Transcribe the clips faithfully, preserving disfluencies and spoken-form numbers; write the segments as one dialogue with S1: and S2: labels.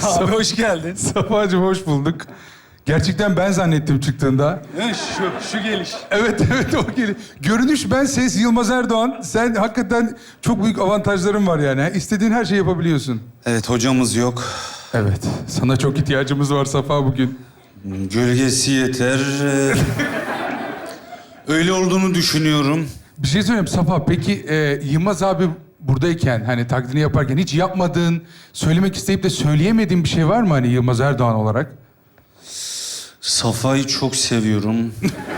S1: Abi hoş geldin.
S2: Safa'cığım hoş bulduk. Gerçekten ben zannettim çıktığında.
S1: Ha, şu, şu geliş.
S2: Evet, evet o geliyor. Görünüş ben, ses Yılmaz Erdoğan. Sen hakikaten çok büyük avantajların var yani. İstediğin her şeyi yapabiliyorsun.
S1: Evet, hocamız yok.
S2: Evet, sana çok ihtiyacımız var Safa bugün.
S1: Gölgesi yeter. Ee, Öyle olduğunu düşünüyorum.
S2: Bir şey söyleyeyim Safa, peki e, Yılmaz abi buradayken, hani taklidini yaparken hiç yapmadığın, söylemek isteyip de söyleyemediğin bir şey var mı hani Yılmaz Erdoğan olarak?
S1: Safa'yı çok seviyorum.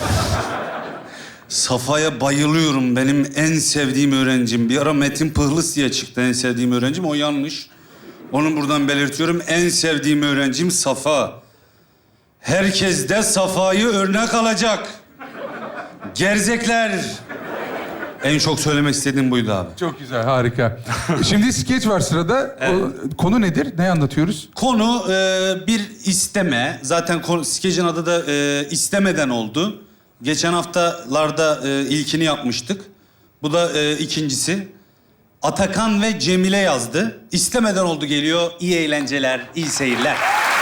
S1: Safa'ya bayılıyorum. Benim en sevdiğim öğrencim. Bir ara Metin Pıhlıs diye çıktı en sevdiğim öğrencim. O yanlış. Onu buradan belirtiyorum. En sevdiğim öğrencim Safa. Herkes de Safa'yı örnek alacak. Gerzekler. En çok söylemek istediğim buydu abi.
S2: Çok güzel, harika. Şimdi skeç var sırada. O, konu nedir? Ne anlatıyoruz?
S1: Konu e, bir isteme. Zaten konu, skecin adı da e, istemeden oldu. Geçen haftalarda e, ilkini yapmıştık. Bu da e, ikincisi. Atakan ve Cemile yazdı. İstemeden oldu geliyor. İyi eğlenceler, iyi seyirler.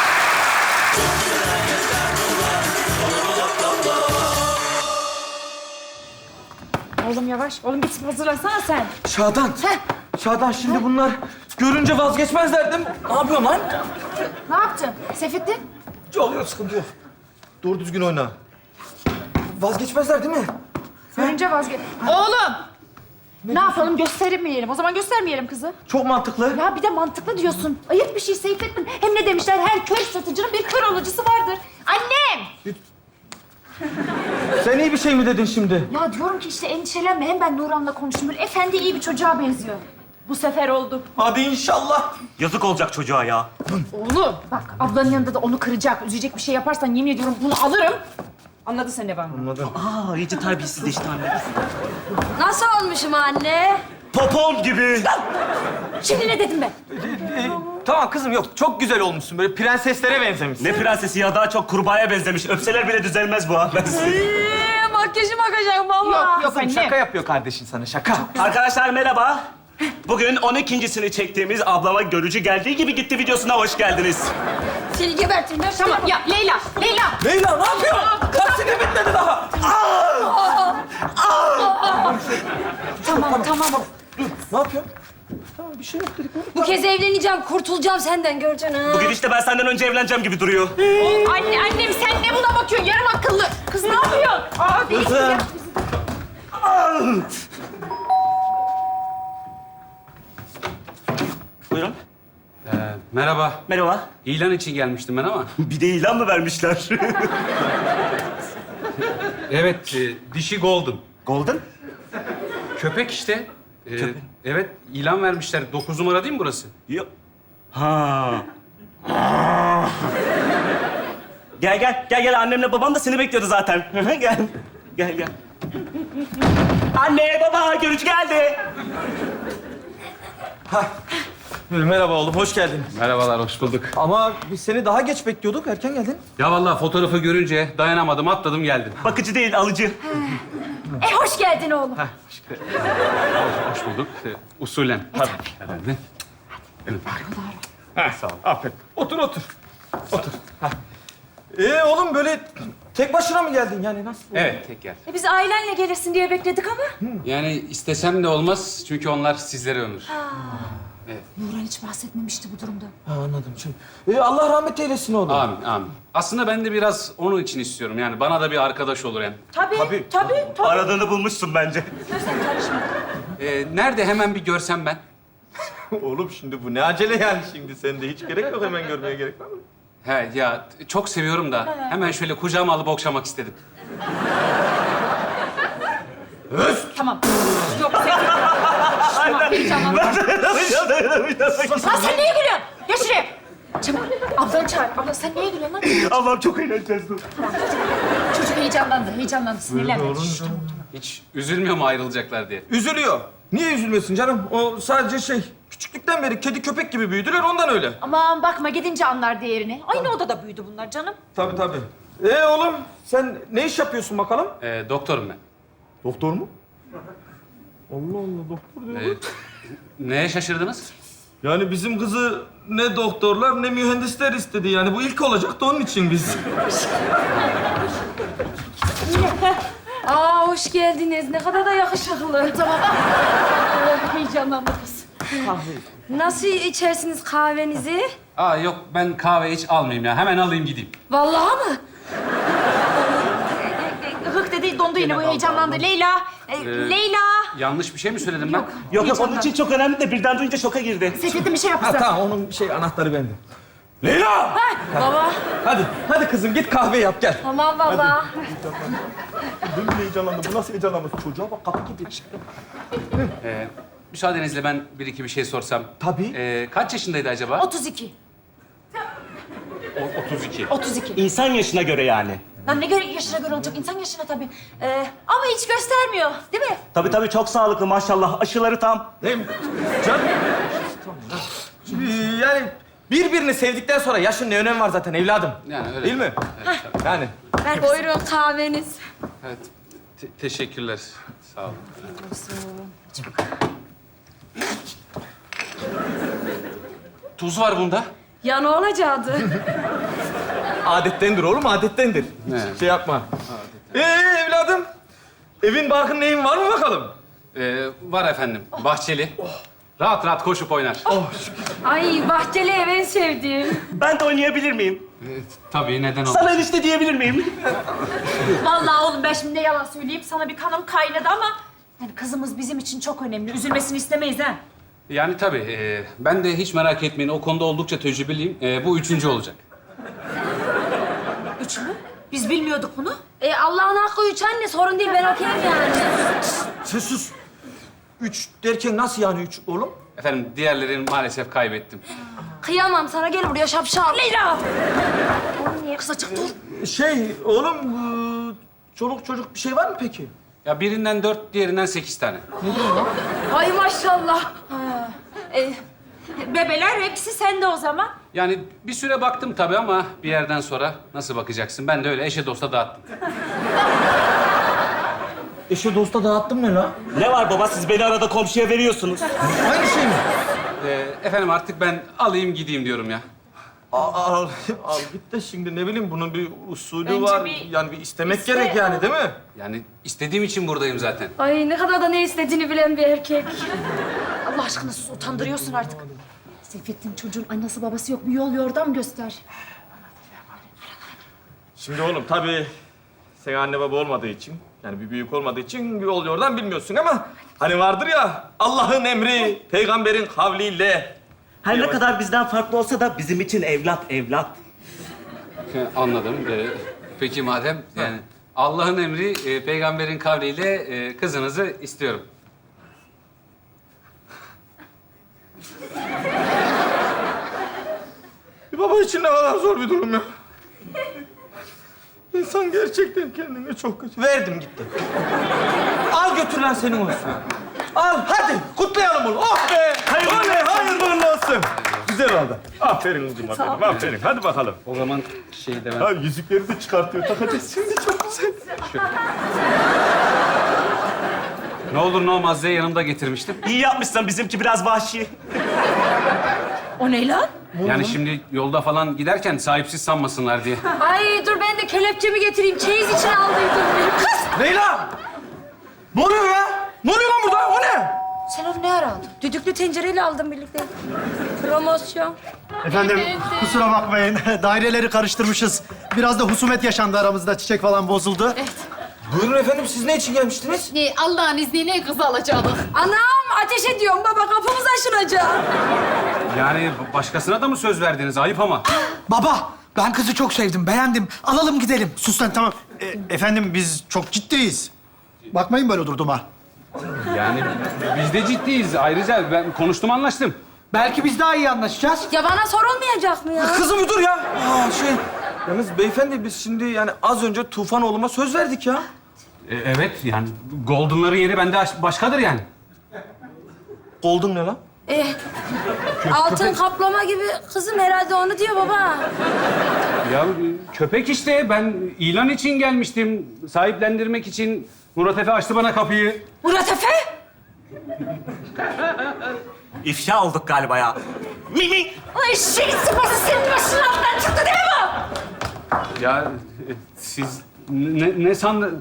S3: Oğlum yavaş. Oğlum git hazırlansana sen.
S4: Şadan.
S3: Heh.
S4: Şadan şimdi bunlar görünce vazgeçmezler değil mi? Ne yapıyorsun lan?
S3: Ne yaptın? Seyfettin?
S4: Oluyor, sıkıntı yok. Doğru düzgün oyna. Vazgeçmezler değil mi?
S3: Görünce vazgeç. Oğlum! Ne, yapalım? Göstermeyelim. O zaman göstermeyelim kızı.
S4: Çok mantıklı.
S3: Ya bir de mantıklı diyorsun. Ayıp bir şey Seyfettin. Hem ne demişler? Her kör satıcının bir kör alıcısı vardır. Annem!
S4: Sen iyi bir şey mi dedin şimdi?
S3: Ya diyorum ki işte endişelenme. Hem ben Nurhan'la konuştum. Böyle efendi iyi bir çocuğa benziyor. Bu sefer oldu.
S4: Hadi inşallah.
S5: Yazık olacak çocuğa ya.
S3: Oğlum bak ablanın yanında da onu kıracak, üzecek bir şey yaparsan yemin ediyorum bunu alırım. Anladın sen ne var mı?
S4: Anladım.
S5: Aa, iyice terbiyesizleşti anne.
S6: Nasıl olmuşum anne?
S5: Popon gibi.
S3: Şimdi ne dedim ben?
S4: Ee, tamam kızım yok. Çok güzel olmuşsun. Böyle prenseslere benzemişsin.
S5: Ne prensesi ya, daha çok kurbağaya benzemiş. Öpseler bile düzelmez bu ha. Ben size-
S6: Ee, makyajım akacak baba.
S3: Yok yok
S4: Kızım
S3: anne.
S4: şaka yapıyor kardeşin sana şaka.
S5: Arkadaşlar merhaba. Bugün on ikincisini çektiğimiz ablama görücü geldiği gibi gitti videosuna hoş geldiniz.
S6: Seni gebertirim. Ben
S3: Tamam ya Leyla, Leyla.
S4: Leyla ne yapıyorsun? Taksini bitmedi daha.
S3: Tamam tamam.
S4: Ne yapıyorsun? Tamam bir şey yok dedik.
S6: Bu kez evleneceğim, kurtulacağım senden göreceksin ha.
S5: Bu gidişte ben senden önce evleneceğim gibi duruyor.
S3: Anne annem sen ne buna bakıyorsun? Yarım akıllı. Kız ne yapıyorsun? Aa değil
S4: Kızım.
S3: ya.
S5: Buyurun.
S7: Ee, merhaba.
S5: Merhaba.
S7: İlan için gelmiştim ben ama.
S5: Bir de ilan mı vermişler?
S7: Evet, e, dişi golden.
S5: Golden?
S7: Köpek işte. Ee, evet, ilan vermişler. Dokuz numara değil mi burası?
S5: Yok. Ha. Gel gel, gel gel. Annemle babam da seni bekliyordu zaten. Gel. Gel gel. Anne, baba, görücü geldi.
S4: Merhaba oğlum hoş geldin.
S7: Merhabalar, hoş bulduk.
S4: Ama biz seni daha geç bekliyorduk. Erken geldin.
S7: Ya vallahi fotoğrafı görünce dayanamadım, atladım geldim.
S5: Bakıcı değil, alıcı.
S3: E hoş geldin oğlum.
S7: Hoş bulduk. Ee, usulen. Tabii. Herhalde.
S4: Sağ ol. Aferin. Otur otur. Otur. Heh. Ee oğlum böyle tek başına mı geldin yani nasıl?
S7: Evet, tek yer.
S3: E biz ailenle gelirsin diye bekledik ama.
S7: Yani istesem de olmaz çünkü onlar sizlere ömür.
S3: Nurhan hiç bahsetmemişti bu durumda.
S4: Ha, anladım şimdi. Ee, Allah rahmet eylesin oğlum.
S7: Amin, amin. Aslında ben de biraz onun için istiyorum. Yani bana da bir arkadaş olur hem.
S3: Tabii,
S4: Tabii.
S3: tabii, tabii.
S5: Aradığını bulmuşsun bence.
S7: Ee, nerede hemen bir görsem ben?
S4: Oğlum şimdi bu ne acele yani şimdi sende hiç gerek yok hemen görmeye gerek var mı?
S7: He ya çok seviyorum da hemen şöyle kucağıma alıp okşamak istedim.
S3: Tamam. Yok Seyfettin. Tamam heyecanlandım. Lan sen neye gülüyorsun? Geç şuraya. Çabuk. Ablanı çağır. Abla sen neye gülüyorsun lan?
S5: Allah'ım çok eğleneceğiz dur.
S3: Çocuk heyecanlandı, heyecanlandı. Sinirlenme. Şşş, tamam.
S7: Hiç üzülmüyor mu ayrılacaklar diye?
S4: Üzülüyor. Niye üzülmesin canım? O sadece şey küçüklükten beri kedi köpek gibi büyüdüler ondan öyle.
S3: Aman bakma gidince anlar değerini. Aynı odada büyüdü bunlar canım.
S4: Tabii tabii. Ee oğlum sen ne iş yapıyorsun bakalım?
S7: Ee, doktorum ben.
S4: Doktor mu? Allah Allah doktor diyor.
S7: Ee, neye şaşırdınız?
S4: Yani bizim kızı ne doktorlar ne mühendisler istedi. Yani bu ilk olacaktı onun için biz.
S6: Aa hoş geldiniz. Ne kadar da yakışıklı. Tamam.
S3: Heyecanlandı kız.
S6: Nasıl içersiniz kahvenizi?
S7: Aa yok ben kahve hiç almayayım ya. Hemen alayım gideyim.
S6: Vallahi mı?
S3: Hık dedi, dondu yine bu heyecanlandı. Leyla, e, Leyla.
S7: Yanlış bir şey mi söyledim ben?
S5: Yok yok onun için çok önemli de birden duyunca şoka girdi.
S3: Seyfettin bir şey
S4: Ha
S3: yapmışsın.
S4: tamam onun şey anahtarı bende. Leyla!
S6: Baba.
S4: Hadi, hadi kızım git kahve yap gel.
S6: Tamam baba.
S4: Dün heyecanlandı. Bu nasıl heyecanlanması? Çocuğa bak kapı gibi.
S7: Ee, müsaadenizle ben bir iki bir şey sorsam.
S4: Tabii.
S7: Ee, kaç yaşındaydı acaba?
S3: otuz iki.
S7: O- otuz iki.
S3: otuz iki.
S5: İnsan yaşına göre yani.
S3: Lan ne göre yaşına göre olacak? İnsan yaşına tabii. Ee, ama hiç göstermiyor, değil mi?
S5: Tabii tabii çok sağlıklı maşallah. Aşıları tam.
S4: Değil mi? Can. Yani birbirini sevdikten sonra yaşın ne önemi var zaten evladım.
S7: Yani öyle.
S4: Değil mi?
S7: Evet, tabii.
S4: Yani.
S6: Buyurun kahveniz.
S7: Evet. Te- teşekkürler. Sağ olun. Tuz var bunda.
S6: Ya ne olacaktı?
S4: Adettendir oğlum, adettendir.
S7: Evet.
S4: Şey yapma. Ee evladım, evin barkın neyin var mı bakalım?
S7: Ee, var efendim. Bahçeli. Rahat rahat koşup oynar.
S6: Ay bahçeli ev en sevdiğim.
S5: Ben de oynayabilir miyim?
S7: Evet, tabii neden olmasın.
S5: Sana enişte diyebilir miyim?
S3: Vallahi oğlum ben şimdi ne yalan söyleyeyim. Sana bir kanım kaynadı ama... Yani kızımız bizim için çok önemli. Üzülmesini istemeyiz ha.
S7: Yani tabii. e, ben de hiç merak etmeyin. O konuda oldukça tecrübeliyim. E, bu üçüncü olacak.
S3: Üç mü? Biz bilmiyorduk bunu.
S6: E Allah'ın hakkı üç anne sorun değil ben okeyim yani.
S4: Sen sus. Üç derken nasıl yani üç oğlum?
S7: Efendim diğerlerini maalesef kaybettim.
S6: Kıyamam sana gel buraya şapşal.
S3: Leyla! Oğlum niye kız açık dur?
S4: Şey oğlum, bu çoluk çocuk bir şey var mı peki?
S7: Ya birinden dört, diğerinden sekiz tane.
S6: Ay maşallah.
S3: Ee, bebeler hepsi sende o zaman.
S7: Yani bir süre baktım tabii ama bir yerden sonra nasıl bakacaksın? Ben de öyle eşe dosta dağıttım.
S4: Eşe dosta dağıttım ne la?
S5: Ne var baba siz beni arada komşuya veriyorsunuz.
S4: Aynı şey mi?
S7: E, efendim artık ben alayım gideyim diyorum ya.
S4: Al, al, al git de şimdi ne bileyim bunun bir usulü
S3: Önce
S4: var.
S3: bir
S4: Yani bir istemek
S3: iste-
S4: gerek yani değil mi?
S7: Yani istediğim için buradayım zaten.
S6: Ay ne kadar da ne istediğini bilen bir erkek.
S3: Allah aşkına sus, utandırıyorsun artık. Seyfettin çocuğun annesi babası yok. Bir yol yordam göster.
S4: Şimdi oğlum tabii sen anne baba olmadığı için, yani bir büyük olmadığı için bir yol yordan bilmiyorsun ama hani vardır ya Allah'ın emri, peygamberin kavliyle.
S5: Her ne kadar bizden farklı olsa da bizim için evlat evlat.
S7: E, anladım. E, peki madem yani Allah'ın emri, e, peygamberin kavliyle e, kızınızı istiyorum.
S4: Bir baba için ne kadar zor bir durum ya. İnsan gerçekten kendini çok kötü. Verdim gitti. Al götür lan senin olsun. Al hadi kutlayalım onu. Oh be!
S5: Hayırlı
S4: Oley,
S5: olsun.
S4: hayırlı uğurlu olsun. Güzel oldu. Aferin kızım aferin. Aferin. Hadi bakalım.
S7: O zaman şey demem.
S4: Ha yüzükleri de çıkartıyor. Takacağız şimdi çok güzel.
S7: Ne olur ne olmaz diye yanımda getirmiştim.
S5: İyi yapmışsın bizimki biraz vahşi.
S3: O ne lan?
S7: Yani şimdi yolda falan giderken sahipsiz sanmasınlar diye.
S6: Ay dur ben de kelepçemi getireyim. Çeyiz için aldıydım. Kız!
S4: Leyla! Ne oluyor ya? Ne oluyor lan burada? O ne?
S6: Sen onu ne ara aldın? Düdüklü tencereyle aldım birlikte. Promosyon.
S8: Efendim kusura bakmayın. Daireleri karıştırmışız. Biraz da husumet yaşandı aramızda. Çiçek falan bozuldu.
S4: Buyurun efendim siz ne için gelmiştiniz?
S6: Ee, Allah'ın izniyle kızı alacaktık. Anam ateş ediyorum baba kapımız aşınacak.
S7: Yani başkasına da mı söz verdiniz? Ayıp ama.
S8: Baba ben kızı çok sevdim. Beğendim. Alalım gidelim. Sus lan tamam. E, efendim biz çok ciddiyiz. Bakmayın böyle durduğuma.
S7: Yani biz de ciddiyiz. Ayrıca ben konuştum anlaştım.
S8: Belki biz daha iyi anlaşacağız.
S6: Ya bana sorulmayacak mı ya?
S4: Kızım bir dur ya. Aa şey. Yalnız beyefendi biz şimdi yani az önce Tufan oğluma söz verdik ya.
S7: E, evet yani Golden'ların yeri bende aş- başkadır yani.
S4: Golden ne lan?
S6: Eh, altın kaplama gibi kızım herhalde onu diyor baba.
S7: Ya köpek işte. Ben ilan için gelmiştim. Sahiplendirmek için. Murat Efe açtı bana kapıyı.
S6: Murat Efe?
S5: İfşa olduk galiba ya. Mi mi.
S3: Ay şey sıpası senin başının altından çıktı değil mi bu?
S7: Ya e, siz ne, ne sandın?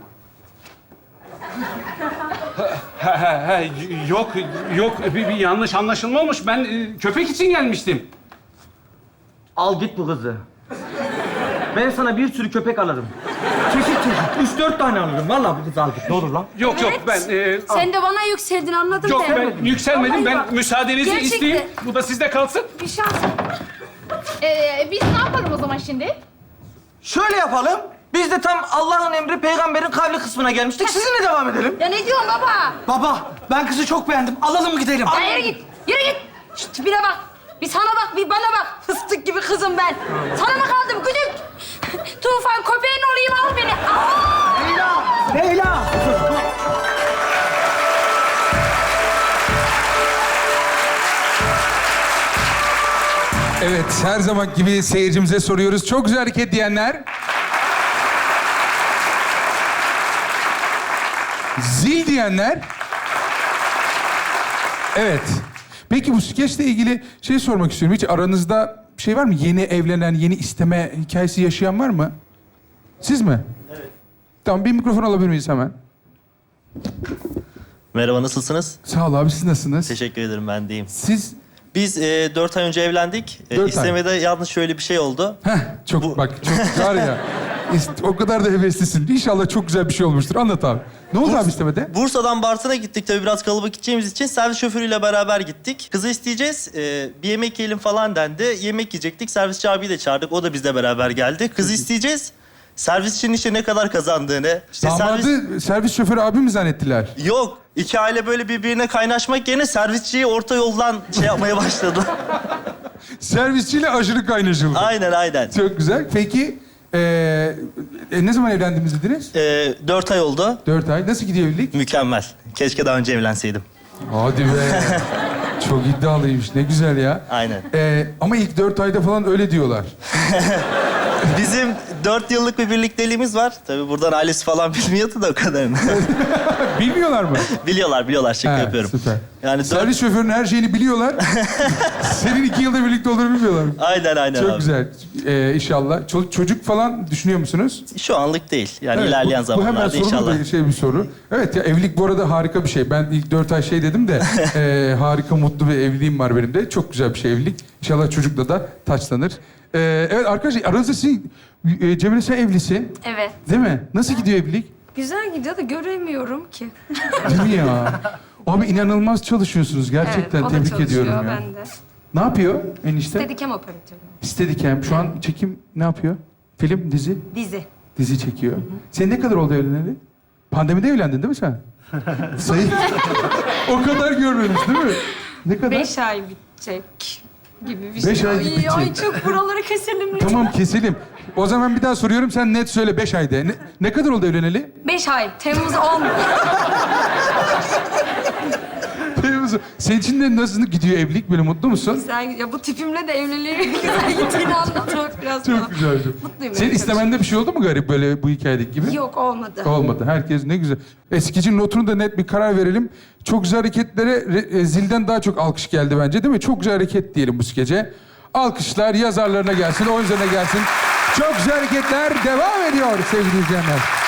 S7: Ha, ha, ha, yok, yok. Bir, bir yanlış anlaşılma olmuş. Ben e, köpek için gelmiştim.
S4: Al git bu kızı. Ben sana bir sürü köpek alırım. Çeşit çeşit. Üç dört tane alırım. Vallahi bu kızı al git. Ne olur lan.
S7: Yok, yok. Ben... e,
S6: Sen de bana yükseldin anladım
S7: yok,
S6: ben.
S7: ben yükselmedim. Ben
S6: Vallahi bak,
S7: müsaadenizi
S6: gerçekten.
S7: isteyeyim. Bu da sizde kalsın.
S6: Bir şans.
S3: Ee, biz ne yapalım o zaman şimdi?
S4: Şöyle yapalım. Biz de tam Allah'ın emri peygamberin kavli kısmına gelmiştik. Sizinle devam edelim.
S6: Ya ne diyorsun baba?
S8: Baba, ben kızı çok beğendim. Alalım gidelim.
S6: Ya yürü git. Yürü git. Şu tipine bak. Bir sana bak, bir bana bak. Fıstık gibi kızım ben. Sana mı kaldım güdük? Tufan köpeğin olayım al beni. Aa!
S8: Leyla!
S2: Evet, her zaman gibi seyircimize soruyoruz. Çok güzel hareket diyenler. Zil diyenler. Evet. Peki bu skeçle ilgili şey sormak istiyorum. Hiç aranızda bir şey var mı? Yeni evlenen, yeni isteme hikayesi yaşayan var mı? Siz mi? Evet. Tamam, bir mikrofon alabilir miyiz hemen?
S9: Merhaba, nasılsınız?
S2: Sağ ol abi, siz nasılsınız?
S9: Teşekkür ederim, ben deyim.
S2: Siz...
S9: Biz e, dört ay önce evlendik. E,
S2: Dört ay.
S9: istemede yalnız şöyle bir şey oldu.
S2: Heh, çok
S9: Bu-
S2: bak, çok var ya. ist- o kadar da heveslisin. İnşallah çok güzel bir şey olmuştur. Anlat abi. Ne oldu abi istemede?
S9: Bursa'dan Bartın'a gittik, tabii biraz kalabalık gideceğimiz için servis şoförüyle beraber gittik. Kızı isteyeceğiz, e, bir yemek yiyelim falan dendi. Yemek yiyecektik, servisçi abiyi de çağırdık, o da bizle beraber geldi. Kızı isteyeceğiz, servisçinin işte ne kadar kazandığını... işte
S2: Damadı
S9: servis...
S2: servis şoförü abi mi zannettiler?
S9: Yok, iki aile böyle birbirine kaynaşmak yerine servisçiyi orta yoldan şey yapmaya başladı.
S2: Servisçiyle aşırı kaynaşıldı.
S9: Aynen, aynen.
S2: Çok güzel. Peki ee, e, ne zaman evlendiniz dediniz?
S9: E, dört ay oldu,
S2: Dört ay. Nasıl gidiyor evlilik?
S9: mükemmel. Keşke daha önce evlenseydim.
S2: Hadi be. Çok iddialıymış. Ne güzel ya.
S9: Aynen.
S2: Ee, ama ilk dört ayda falan öyle diyorlar.
S9: Bizim dört yıllık bir birlikteliğimiz var. Tabii buradan ailesi falan bilmiyordu da o kadarını.
S2: Bilmiyorlar mı?
S9: biliyorlar, biliyorlar. Şaka
S2: Ha,
S9: yapıyorum.
S2: Süper.
S9: Yani dört...
S2: Servis şoförünün her şeyini biliyorlar. Senin iki yılda birlikte olduğunu bilmiyorlar.
S9: Aynen, aynen
S2: Çok
S9: abi.
S2: güzel. Ee, inşallah. Ço- çocuk falan düşünüyor musunuz?
S9: Şu anlık değil. Yani
S2: Evet,
S9: ilerleyen
S2: bu, bu hemen
S9: zamanlarda
S2: sorulu
S9: inşallah.
S2: bir şey bir soru. Evet ya, evlilik bu arada harika bir şey. Ben ilk dört ay şey dedim de e, harika mutlu bir evliliğim var benim de. Çok güzel bir şey evlilik. İnşallah çocukla da taçlanır. Ee, evet arkadaşlar, aranızda sizin e, Cemile, sen evlisin.
S6: Evet.
S2: Değil mi? Nasıl gidiyor evlilik?
S6: Güzel gidiyor da göremiyorum ki.
S2: Değil mi ya? Abi inanılmaz çalışıyorsunuz gerçekten.
S6: Evet, o da
S2: Tebrik
S6: çalışıyor,
S2: ediyorum ya.
S6: ben de.
S2: Ne yapıyor enişte?
S6: Steadicam operatörü.
S2: Steadicam. Şu an çekim ne yapıyor? Film, dizi?
S6: Dizi.
S2: Dizi çekiyor. Sen ne kadar oldu evleneli? Pandemide evlendin değil mi sen? Sayı... o kadar görmemiş değil mi? Ne kadar?
S6: Beş ay bitecek gibi bir
S2: Beş
S6: şey.
S2: ay bitecek.
S6: Ay çok buraları keselim lütfen.
S2: Tamam, keselim. O zaman bir daha soruyorum, sen net söyle, beş ayda. Ne, ne kadar oldu evleneli?
S6: Beş ay. Temmuz on.
S2: Senin için de nasıl gidiyor evlilik? Böyle mutlu musun?
S6: Güzel. Ya bu tipimle de evliliği güzel gittiğini anlatmak biraz bana.
S2: Çok güzel.
S6: Mutluyum.
S2: Senin
S6: evet,
S2: istemende bir şey oldu mu garip böyle bu hikayedeki gibi?
S6: Yok olmadı.
S2: Olmadı. Herkes ne güzel. Eskicinin notunu da net bir karar verelim. Çok güzel hareketlere re- e, zilden daha çok alkış geldi bence, değil mi? Çok güzel hareket diyelim bu skece. Alkışlar yazarlarına gelsin, oyuncularına gelsin. Çok güzel hareketler devam ediyor sevgili izleyenler.